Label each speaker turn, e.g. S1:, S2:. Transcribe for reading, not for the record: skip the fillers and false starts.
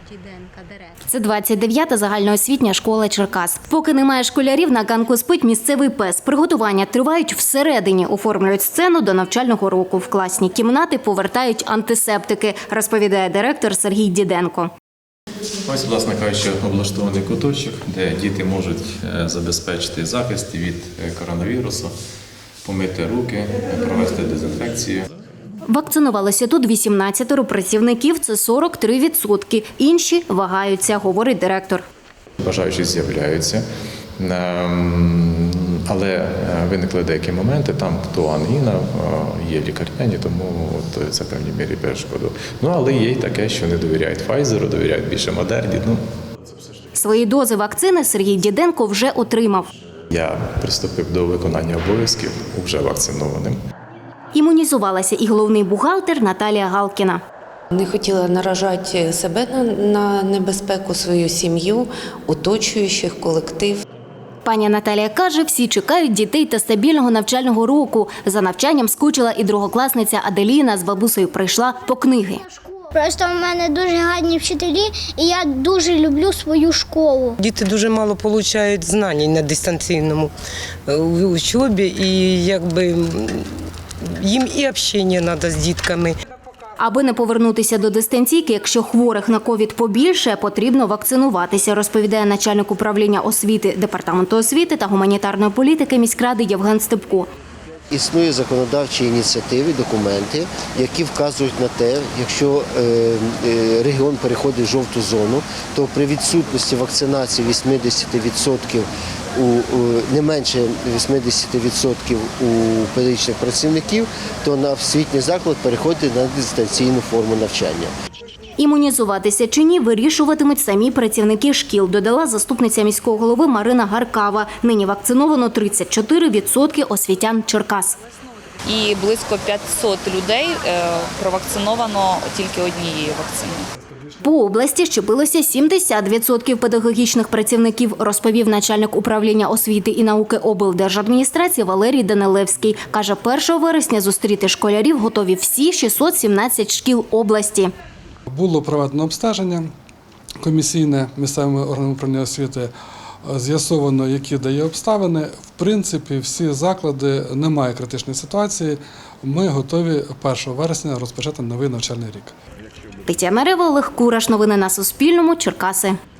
S1: Це 29-та загальноосвітня школа Черкас. Поки немає школярів, на ганку спить місцевий пес. Приготування тривають всередині. Оформлюють сцену до навчального року. В класні кімнати повертають антисептики, розповідає директор Сергій Діденко.
S2: Ось, власне кажучи, облаштований куточок, де діти можуть забезпечити захист від коронавірусу, помити руки, провести дезінфекцію.
S1: Вакцинувалося тут 18 працівників, це 43%. Інші вагаються, говорить директор.
S2: Бажаючі з'являються, але виникли деякі моменти, там хто ангіна, є лікарняні, тому це в певній мірі перешкоду. Але є й таке, що не довіряють Pfizer, довіряють більше Модерні.
S1: Свої дози вакцини Сергій Діденко вже отримав.
S2: Я приступив до виконання обов'язків вже вакцинованим.
S1: Імунізувалася і головний бухгалтер Наталія Галкіна.
S3: Не хотіла наражати себе на небезпеку, свою сім'ю, оточуючих, колектив.
S1: Пані Наталія каже, всі чекають дітей та стабільного навчального року. За навчанням скучила і другокласниця Аделіна, з бабусею прийшла по книги.
S4: Просто в мене дуже гарні вчителі, і я дуже люблю свою школу.
S5: Діти дуже мало отримують знань на дистанційному учобі, і їм і спілкування треба з дітками.
S1: Аби не повернутися до дистанційки, якщо хворих на ковід побільше, потрібно вакцинуватися, розповідає начальник управління освіти Департаменту освіти та гуманітарної політики міськради Євген Степко.
S6: Існує законодавчі ініціативи, документи, які вказують на те, якщо регіон переходить в жовту зону, то при відсутності вакцинації 80% не менше 80% у педагогічних працівників, то на освітній заклад переходить на дистанційну форму навчання.
S1: Імунізуватися чи ні, вирішуватимуть самі працівники шкіл, додала заступниця міського голови Марина Гаркава. Нині вакциновано 34% освітян Черкас.
S7: І близько 500 людей провакциновано тільки однією вакциною.
S1: По області щепилося 70% педагогічних працівників, розповів начальник управління освіти і науки облдержадміністрації Валерій Данилевський. Каже, 1 вересня зустріти школярів готові всі 617 шкіл області.
S8: Було проведено обстеження комісійне місцевими органами управління освіти, з'ясовано, які дає обставини. В принципі, всі заклади, немає критичної ситуації. Ми готові 1 вересня розпочати новий навчальний рік.
S1: Тетяна Рева, Олег Кураш. Новини на Суспільному. Черкаси.